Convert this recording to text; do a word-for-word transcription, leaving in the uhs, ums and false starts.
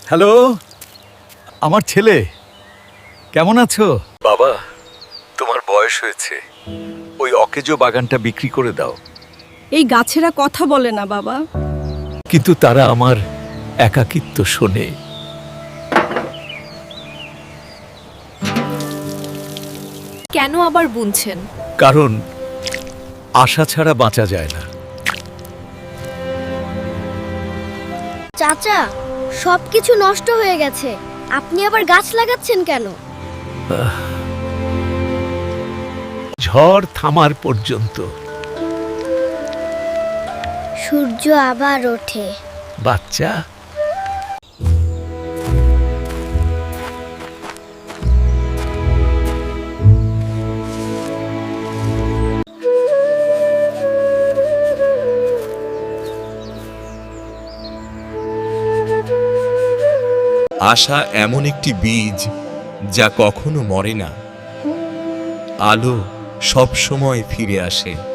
Hello, আমার ছেলে কেমন আছো? বাবা, তোমার বয়স হয়েছে, ওই অকেজো বাগানটা বিক্রি করে দাও। এই গাছেরা কথা বলে না বাবা। কিন্তু তারা আমার একাকিত্ব শোনে। কেন আবার বুনছেন? কারণ আশা ছাড়া বাঁচা যায় না। চাচা, সবকিছু নষ্ট হয়ে গেছে, আপনি আবার গাছ লাগাচ্ছেন কেন? ঝড় থামার পর্যন্ত। সূর্য আবার ওঠে। বাচ্চা, আশা এমন একটি বীজ যা কখনো মরে না। আলো সব সময় ফিরে আসে।